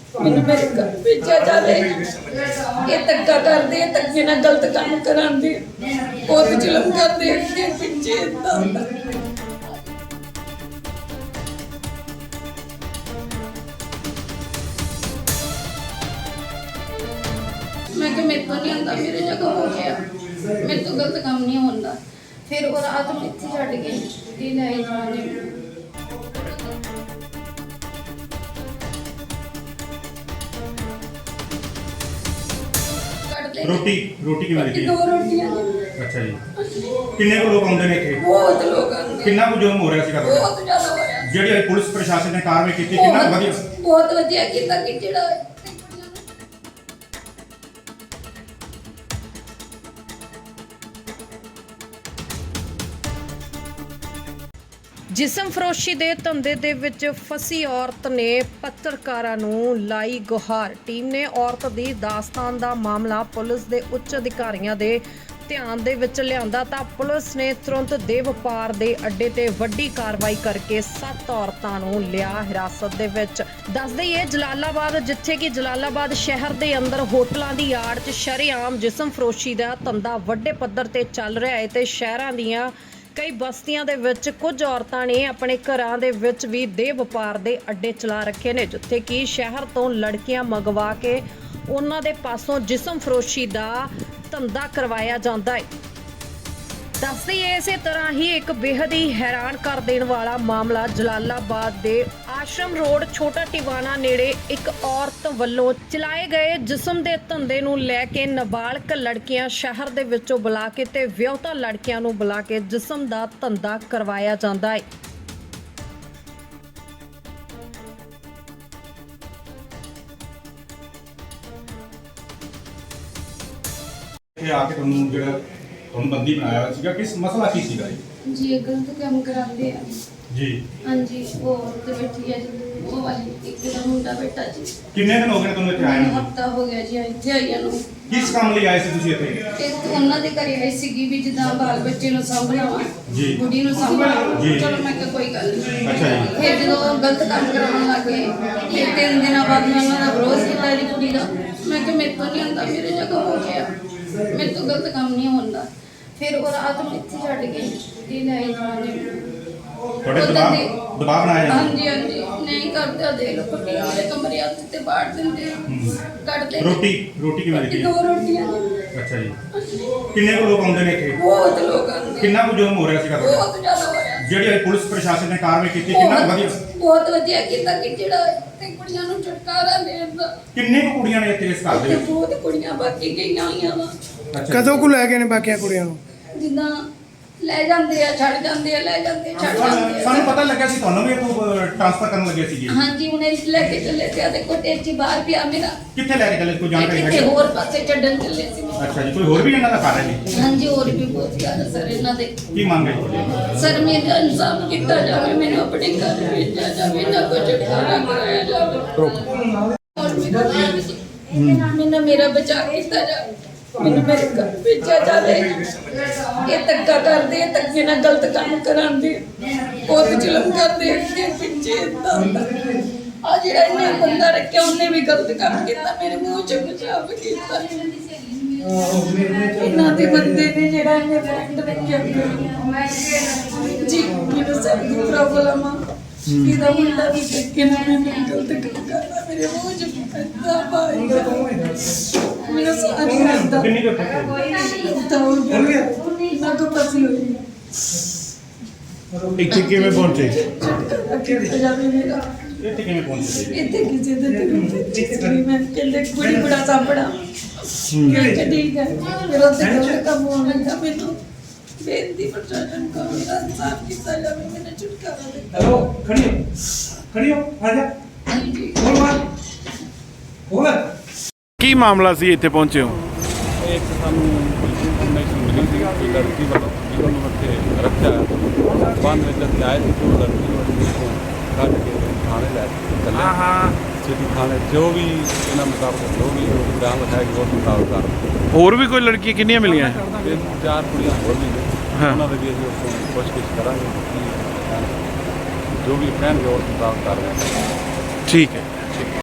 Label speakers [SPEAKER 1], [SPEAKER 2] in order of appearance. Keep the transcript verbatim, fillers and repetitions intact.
[SPEAKER 1] ਮੈਨੂੰ ਮੇਰੇ ਘਰ ਭੇਜਿਆ ਜਾਵੇ। ਇਹ ਧੱਕਾ ਕਰਦੇ, ਧੱਕੇ ਨਾਲ ਗਲਤ ਕੰਮ ਕਰਾਉਂਦੇ, ਬਹੁਤ ਜ਼ੁਲਮ ਕਰਦੇ ਅੱਗੇ ਪਿੱਛੇ ਏਦਾਂ ਹੁੰਦਾ। मैं कि मेरे को नहीं आता, मेरे जगह हो गया, मेरे तो गलत काम नहीं होता। फिर वो रात में इतनी छड़ गई ये ले जाने
[SPEAKER 2] रोटी रोटी की मिलती है?
[SPEAKER 1] दो रोटियां।
[SPEAKER 2] अच्छा जी। किन्ने को लोग आउंदे ने इत्थे?
[SPEAKER 1] बहुत लोग आंदे।
[SPEAKER 2] किन्ना को जुल्म हो रहा सीगा?
[SPEAKER 1] बहुत ज्यादा हो रहा।
[SPEAKER 2] ਜਿਹੜੀ ਪੁਲਿਸ ਪ੍ਰਸ਼ਾਸਨ ਨੇ ਕਾਰਵਾਈ ਕੀਤੀ ਕਿੰਨਾ ਵਧੀਆ?
[SPEAKER 1] ਬਹੁਤ ਵਧੀਆ ਕੀਤਾ ਕਿ ਜਿਹੜਾ
[SPEAKER 3] ਜਿਸਮ ਫਰੋਸ਼ੀ ਦੇ ਧੰਦੇ ਦੇ ਵਿੱਚ ਫਸੀ ਔਰਤ ਨੇ ਪੱਤਰਕਾਰਾਂ ਨੂੰ ਲਾਈ ਗੁਹਾਰ। ਟੀਮ ਨੇ ਔਰਤ ਦੀ ਦਾਸਤਾਨ ਦਾ ਮਾਮਲਾ ਪੁਲਿਸ ਦੇ ਉੱਚ ਅਧਿਕਾਰੀਆਂ ਦੇ ਧਿਆਨ ਦੇ ਵਿੱਚ ਲਿਆਂਦਾ ਤਾਂ ਪੁਲਿਸ ਨੇ ਤੁਰੰਤ ਦੇ ਵਪਾਰ ਦੇ ਅੱਡੇ ਤੇ ਵੱਡੀ ਕਾਰਵਾਈ ਕਰਕੇ ਸੱਤ ਔਰਤਾਂ ਨੂੰ ਲਿਆ ਹਿਰਾਸਤ ਦੇ ਵਿੱਚ। ਦੱਸ ਦਈਏ ਜਲਾਲਾਬਾਦ, ਜਿੱਥੇ ਕਿ ਜਲਾਲਾਬਾਦ ਸ਼ਹਿਰ ਦੇ ਅੰਦਰ ਹੋਟਲਾਂ ਦੀ ਆੜ 'ਚ ਸ਼ਰੇਆਮ ਜਿਸਮ ਫਰੋਸ਼ੀ ਦਾ ਧੰਦਾ ਵੱਡੇ ਪੱਧਰ ਤੇ ਚੱਲ ਰਿਹਾ ਹੈ ਤੇ ਸ਼ਹਿਰਾਂ ਦੀਆਂ ਕਈ ਬਸਤੀਆਂ ਦੇ ਵਿੱਚ ਕੁਝ ਔਰਤਾਂ ਨੇ ਆਪਣੇ ਘਰਾਂ ਦੇ ਵਿੱਚ ਵੀ ਦੇਹ ਵਪਾਰ ਦੇ ਅੱਡੇ ਚਲਾ ਰੱਖੇ ਨੇ, ਜਿੱਥੇ ਕਿ ਸ਼ਹਿਰ ਤੋਂ ਲੜਕੀਆਂ ਮੰਗਵਾ ਕੇ ਉਹਨਾਂ ਦੇ ਪਾਸੋਂ ਜਿਸਮ ਫਰੋਸ਼ੀ ਦਾ ਧੰਦਾ ਕਰਵਾਇਆ ਜਾਂਦਾ ਹੈ। ਦੱਸਦੇ ਇਸੇ ਤਰ੍ਹਾਂ ਹੀ ਇੱਕ ਬੇਹੱਦ ਹੀ ਹੈਰਾਨ ਕਰ ਦੇਣ ਵਾਲਾ ਮਾਮਲਾ ਜਲਾਲਾਬਾਦ ਦੇ ਆਸ਼ਰਮ ਰੋਡ ਛੋਟਾ ਟਿਵਾਣਾ ਨੇੜੇ ਇੱਕ ਔਰਤ ਵੱਲੋਂ ਚਲਾਏ ਗਏ ਜਿਸਮ ਦੇ ਧੰਦੇ ਨੂੰ ਲੈ ਕੇ ਨਾਬਾਲਗ ਲੜਕੀਆਂ ਸ਼ਹਿਰ ਦੇ ਵਿੱਚੋਂ ਬੁਲਾ ਕੇ ਤੇ ਵਿਆਹੁਤਾ ਲੜਕੀਆਂ ਨੂੰ ਬੁਲਾ ਕੇ ਜਿਸਮ ਦਾ ਧੰਦਾ ਕਰਵਾਇਆ ਜਾਂਦਾ ਹੈ।
[SPEAKER 2] ਇਹ ਆ ਕੇ ਤੁਹਾਨੂੰ ਜਿਹੜਾ ਤੁਹਾਨੂੰ ਬੰਦੀ ਬਣਾਇਆ ਹੋਇਆ ਸੀਗਾ, ਕਿਸ ਮਸਲਾ ਕੀ ਸੀਗਾ ਜੀ?
[SPEAKER 1] जी ये गलत काम कराते हैं
[SPEAKER 2] ਜੀ।
[SPEAKER 1] हाँ जी। वो औरत बैठी है जी, वो वाली एक का मुंडा बैठा जी।
[SPEAKER 2] ਕਿੰਨੇ ਦਿਨ ਹੋ ਗਏ ਨੇ ਤੁਹਾਨੂੰ ਇੱਥੇ ਆਏ ਨੂੰ?
[SPEAKER 1] ਹਫਤਾ ਹੋ ਗਿਆ ਜੀ ਇੱਥੇ ਆਈਆਂ ਨੂੰ।
[SPEAKER 2] ਕਿਸ ਕੰਮ ਲਈ ਆਏ ਸੀ ਤੁਸੀਂ ਇੱਥੇ?
[SPEAKER 1] ਇੱਕ ਉਹਨਾਂ ਦੇ ਘਰੇ ਆਈ ਸੀਗੀ ਵੀ ਜਿੱਦਾਂ ਬਾਲ ਬੱਚੇ ਨੂੰ ਸਾਂਭਣਾ ਵਾ,
[SPEAKER 2] ਜੀ।
[SPEAKER 1] ਬੁੱਢੀ ਨੂੰ ਸਾਂਭਣਾ।
[SPEAKER 2] ਜੀ।
[SPEAKER 1] ਚਲੋ ਮੈਂ ਕਿਹਾ ਕੋਈ ਗੱਲ ਨਹੀਂ।
[SPEAKER 2] ਅੱਛਾ ਜੀ।
[SPEAKER 1] ਫਿਰ ਜਦੋਂ ਗਲਤ ਕੰਮ ਕਰਾਉਣ ਲੱਗ ਗਏ ਫਿਰ ਤਿੰਨ ਦਿਨਾਂ ਬਾਅਦ ਮੈਂ ਉਹਨਾਂ ਦਾ ਵਿਰੋਧ ਕੀਤਾ ਇਹਦੀ ਕੁੜੀ ਦਾ। ਮੈਂ ਕਿਹਾ ਮੇਰੇ ਤੋਂ ਨਹੀਂ ਆਉਂਦਾ, ਮੇਰੇ ਜਗ੍ਹਾ ਹੋ ਗਿਆ, ਮੇਰੇ ਤੋਂ ਗਲਤ ਕੰਮ ਨਹੀਂ ਹੁੰਦਾ। ਫਿਰ ਉਹ ਰਾਤ ਨੂੰ ਇੱਥੇ ਛੱਡ ਗਈ ਇਹ ਲੈ ਜਾਣੇ
[SPEAKER 2] ਤੁਹਾਡੇ ਦਬਾਅ ਦਬਾਅ ਬਣਾਇਆ ਜਾਂਦਾ?
[SPEAKER 1] ਹਾਂਜੀ ਹਾਂਜੀ। ਨਹੀਂ ਕਰਦੇ ਦੇ ਲੋ ਕੁੜੀਆਂ ਵਾਲੇ ਕਮਰੇ ਹੱਥ ਤੇ ਬਾੜ ਦਿੰਦੇ ਕੱਢਦੇ।
[SPEAKER 2] ਰੋਟੀ ਰੋਟੀ ਕੀ ਮਿਲਦੀ
[SPEAKER 1] ਦੋ
[SPEAKER 2] ਹੈ?
[SPEAKER 1] ਰੋਟੀਆਂ ਜੀ।
[SPEAKER 2] ਅੱਛਾ ਜੀ। ਕਿੰਨੇ ਕੋ ਲੋਕ ਆਉਂਦੇ ਨੇ ਇੱਥੇ?
[SPEAKER 1] ਬਹੁਤ ਲੋਕ ਆਉਂਦੇ।
[SPEAKER 2] ਕਿੰਨਾ ਕੁ ਜ਼ੁਲਮ ਹੋ ਰਿਹਾ ਸੀਗਾ?
[SPEAKER 1] ਬਹੁਤ ਜ਼ਿਆਦਾ ਹੋ ਰਿਹਾ।
[SPEAKER 2] ਜਿਹੜੀ ਪੁਲਿਸ ਪ੍ਰਸ਼ਾਸਨ ਨੇ ਕਾਰਵਾਈ ਕੀਤੀ ਕਿੰਨਾ ਵਧੀਆ?
[SPEAKER 1] ਬਹੁਤ ਵਧੀਆ ਕੀਤਾ ਕਿ ਜਿਹੜਾ ਤੇ ਕੁੜੀਆਂ ਨੂੰ ਛੁਟਕਾਰਾ ਦੇਣ ਦਾ।
[SPEAKER 2] ਕਿੰਨੇ ਕੁ ਕੁੜੀਆਂ ਨੇ ਇੱਥੇ ਇਸ ਘਰ ਦੇ
[SPEAKER 1] ਤੇ
[SPEAKER 2] ਵਿੱਚ?
[SPEAKER 1] ਬਹੁਤ ਕੁੜੀਆਂ ਬਾਕੀ ਗਈਆਂ ਹੋਈਆਂ ਵਾ।
[SPEAKER 2] ਅੱਛਾ।
[SPEAKER 4] ਕਦੋਂ ਕੁ ਲੈ ਗਏ ਨੇ ਬਾਕੀਆਂ ਕੁੜੀਆਂ ਨੂੰ?
[SPEAKER 1] ਜਿੱਦਾਂ ਲੈ ਜਾਂਦੇ ਆ, ਛੱਡ ਜਾਂਦੇ ਆ, ਲੈ ਜਾਂਦੇ ਆ, ਛੱਡ ਜਾਂਦੇ ਆ।
[SPEAKER 2] ਸਾਨੂੰ ਪਤਾ ਲੱਗਿਆ ਸੀ ਤੁਹਾਨੂੰ ਵੀ ਇੱਥੋਂ ਟ੍ਰਾਂਸਫਰ ਕਰਨ ਲੱਗੇ ਸੀਗੇ।
[SPEAKER 1] ਹਾਂਜੀ ਹੁਣ ਇਹ ਲੈ ਕੇ ਚੱਲੇ ਸੀ ਆ ਦੇਖੋ ਟੇਚੀ ਬਾਹਰ ਪਿਆ ਮੇਰਾ।
[SPEAKER 2] ਕਿੱਥੇ ਲੈ ਕੇ ਚੱਲੇ, ਕੋਈ ਜਾਣਕਾਰੀ
[SPEAKER 1] ਕਿਤੇ
[SPEAKER 2] ਹੈ?
[SPEAKER 1] ਹੋਰ ਪਾਸੇ ਛੱਡਣ ਚੱਲੇ ਸੀ।
[SPEAKER 2] ਅੱਛਾ ਜੀ। ਕੋਈ ਹੋਰ ਵੀ ਇਹਨਾਂ ਦਾ ਕਰ ਰਹੇ ਨੇ?
[SPEAKER 1] ਹਾਂਜੀ ਹੋਰ ਵੀ ਬਹੁਤ ਜ਼ਿਆਦਾ ਸਰ ਇਹਨਾਂ ਦੇ।
[SPEAKER 2] ਕੀ ਮੰਗ ਹੈ ਤੁਹਾਡੀ?
[SPEAKER 1] ਸਰ ਮੇਰਾ ਇਨਸਾਫ ਕੀਤਾ ਜਾਵੇ, ਮੈਨੂੰ ਆਪਣੇ ਘਰ ਭੇਜਿਆ ਜਾਵੇ, ਨਾ ਕੋਈ ਛੁਟਕਾਰਾ ਕਰਾਇਆ ਜਾਵੇ। ਔਰ ਮੇਰਾ ਮੈਨੂੰ ਮੇਰਾ ਬਚਾ ਕੀਤਾ ਜਾਵੇ, ਮੈਨੂੰ ਮੇਰੇ ਘਰ ਭੇਜਿਆ ਜਾਵੇ। ਇਹ ਧੱਕਾ ਕਰਦੇ, ਧੱਕੇ ਨਾਲ ਗਲਤ ਕੰਮ ਕਰਾਉਂਦੇ, ਬਹੁਤ ਜ਼ੁਲਮ ਕਰਦੇ ਅੱਗੇ ਪਿੱਛੇ ਏਦਾਂ ਹੁੰਦਾ। ਆ ਜਿਹੜਾ ਇਹਨੇ ਬੰਦਾ ਰੱਖਿਆ ਉਹਨੇ ਵੀ ਗਲਤ ਕੰਮ ਕੀਤਾ, ਮੇਰੇ ਮੂੰਹ 'ਚ ਪਿਸ਼ਾਬ ਕੀਤਾ। ਇਹਨਾਂ ਦੇ ਬੰਦੇ ਨੇ ਜਿਹੜਾ ਇਹਨੇ ਫਰੈਂਡ ਰੱਖਿਆ ਜੀ, ਮੈਨੂੰ ਸਭ ਦੀ ਪ੍ਰੋਬਲਮ ਆ। ਇਹਦਾ ਮੁੰਡਾ ਵੀ ਧੱਕੇ ਨਾਲ ਮੈਨੂੰ ਗਲਤ ਕੰਮ ਕਰਦਾ, ਮੇਰੇ ਮੂੰਹ 'ਚ ਪੈਂਦਾ ਭਾਈ ਮੇਰਾ ਸਾਰੀ ਕਰਦਾ।
[SPEAKER 2] ਕਿੰਨੀ ਕੁ ਇੱਥੇ?
[SPEAKER 1] ਤਾਂ ਹੋ ਗਿਆ ਨਾ ਤੋਂ ਪਸੀ ਹੋਈ।
[SPEAKER 4] ਇੱਥੇ ਕਿਵੇਂ ਪਹੁੰਚੇ?
[SPEAKER 1] ਕਿੱਥੇ ਜਾਵੇ ਮੇਰਾ
[SPEAKER 2] ਇੱਥੇ ਕਿਵੇਂ ਪਹੁੰਚੇ ਸੀ?
[SPEAKER 1] ਇੱਥੇ ਕਿਸੇ ਦੇ ਤੇ ਮੈਂ ਕਹਿੰਦੇ ਕੁੜੀ ਬੜਾ ਸਾਂਭਣਾ। ਮੈਂ ਕਿਹਾ ਠੀਕ ਹੈ। ਫਿਰ ਉੱਥੇ ਗਲਤ ਕੰਮ ਹੋਣ ਲੱਗਾ। ਮੈਨੂੰ ਬੇਨਤੀ ਪ੍ਰਸ਼ਾਸਨ ਕੋਲ ਮੇਰਾ ਇਨਸਾਫ ਕੀਤਾ ਜਾਵੇ, ਮੈਨੂੰ ਛੁਟਕਾਰਾ ਦਿੱਤਾ।
[SPEAKER 5] हेलो खड़ी हो खड़ी हो आ जा
[SPEAKER 1] ਹਾਂਜੀ
[SPEAKER 5] बोल मार बोल
[SPEAKER 4] ਕੀ ਮਾਮਲਾ ਸੀ ਇੱਥੇ ਪਹੁੰਚੇ ਹੋ?
[SPEAKER 6] ਇੱਕ ਸਾਨੂੰ ਇਨਫੋਰਮੇਸ਼ਨ ਮਿਲੀ ਸੀ ਕਿ ਲੜਕੀ ਵੱਲੋਂ ਜਿਹਨੂੰ ਨੂੰ ਉੱਥੇ ਰੱਖਿਆ ਬੰਦ ਵਿੱਚ ਅਸੀਂ ਆਏ ਸੀ ਉਹ ਲੜਕੀ ਨੂੰ ਅਸੀਂ ਕੱਢ ਕੇ ਥਾਣੇ ਲੈ ਕੇ ਚੱਲੇ।
[SPEAKER 4] ਹਾਂ ਹਾਂ।
[SPEAKER 6] ਸਿਟੀ ਥਾਣੇ ਜੋ ਵੀ ਇਹਨਾਂ ਮੁਤਾਬਕ ਜੋ ਵੀ ਬਿਆਨ ਲਿਖਾਇਆ ਉਸ ਮੁਤਾਬਕ ਕਰ
[SPEAKER 4] ਹੋਰ ਵੀ ਕੋਈ ਲੜਕੀਆਂ ਕਿੰਨੀਆਂ ਮਿਲੀਆਂ?
[SPEAKER 6] ਤੇ ਚਾਰ ਕੁੜੀਆਂ ਹੋਰ ਵੀ ਨੇ,
[SPEAKER 4] ਹਾਂ।
[SPEAKER 6] ਉਹਨਾਂ ਦੇ ਵੀ ਅਸੀਂ ਉਸ ਤੋਂ ਪੁੱਛਗਿੱਛ ਕਰਾਂਗੇ ਕਿ ਜੋ ਵੀ ਕਹਿਣਗੇ ਉਸ ਮੁਤਾਬਕ ਕਰ ਰਹੇ
[SPEAKER 4] ਠੀਕ ਹੈ।